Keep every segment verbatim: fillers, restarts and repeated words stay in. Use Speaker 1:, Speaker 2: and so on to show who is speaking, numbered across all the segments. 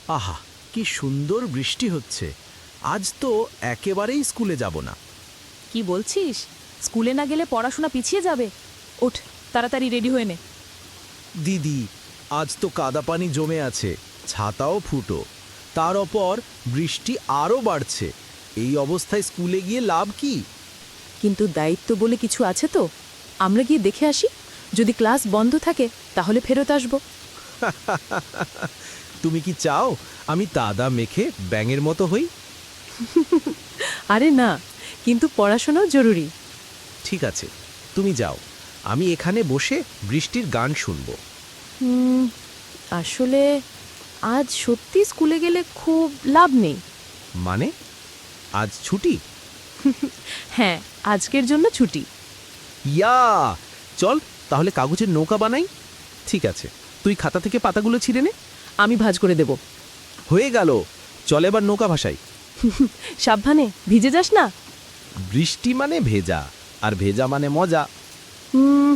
Speaker 1: আহা, কি সুন্দর বৃষ্টি হচ্ছে। আজ তো একেবারেই স্কুলে যাব না।
Speaker 2: কি বলছিস? স্কুলে না গেলে পড়াশোনা পিছিয়ে যাবে। ওঠ, তাড়াতাড়ি রেডি হয়ে নে।
Speaker 1: দিদি, আজ তো কাদা পানি জমে আছে, ছাতাও ফুটো। তার ওপর বৃষ্টি আরও বাড়ছে। এই অবস্থায় স্কুলে গিয়ে লাভ কি?
Speaker 2: কিন্তু দায়িত্ব বলে কিছু আছে তো। আমরা গিয়ে দেখে আসি। যদি ক্লাস বন্ধ থাকে তাহলে ফেরত আসব।
Speaker 1: তুমি কি চাও আমি কাদা মেখে ব্যাঙের মতো হই?
Speaker 2: আরে না, কিন্তু পড়াশোনাও জরুরি।
Speaker 1: ঠিক আছে, তুমি যাও, আমি এখানে বসে বৃষ্টির গান শুনব।
Speaker 2: হুম, আসলে আজ সত্যি স্কুলে গেলে খুব লাভ নেই।
Speaker 1: মানে, আজ ছুটি?
Speaker 2: হ্যাঁ, আজকের জন্য ছুটি।
Speaker 1: ইয়া, চল তাহলে কাগজের নৌকা বানাই। ঠিক আছে, তুই খাতা থেকে পাতাগুলো ছিঁড়ে নে।
Speaker 2: আমি ভাঁজ করে দেব।
Speaker 1: হয়ে গেল, চল এবার নৌকা ভাসাই।
Speaker 2: সাবধানে, ভিজে যাস না।
Speaker 1: বৃষ্টি মানে ভেজা, আর ভেজা মানে মজা।
Speaker 2: হুম,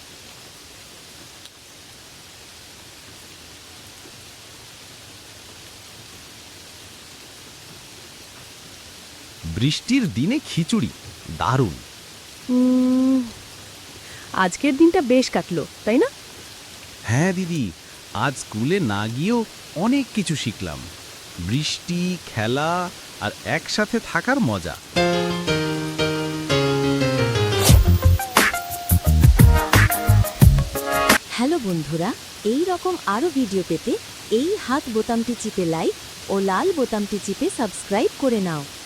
Speaker 1: বৃষ্টির দিনে খিচুড়ি দারুণ।
Speaker 2: হুম, আজকের দিনটা বেশ কাটলো, তাই না?
Speaker 1: হ্যাঁ দিদি, আজ স্কুলে না গিয়েও অনেক কিছু শিখলাম। বৃষ্টি, খেলা আর একসাথে থাকার মজা।
Speaker 3: হ্যালো বন্ধুরা, এই রকম আরও ভিডিও পেতে এই হাত বোতামটি চিপে লাইক ও লাল বোতামটি চিপে সাবস্ক্রাইব করে নাও।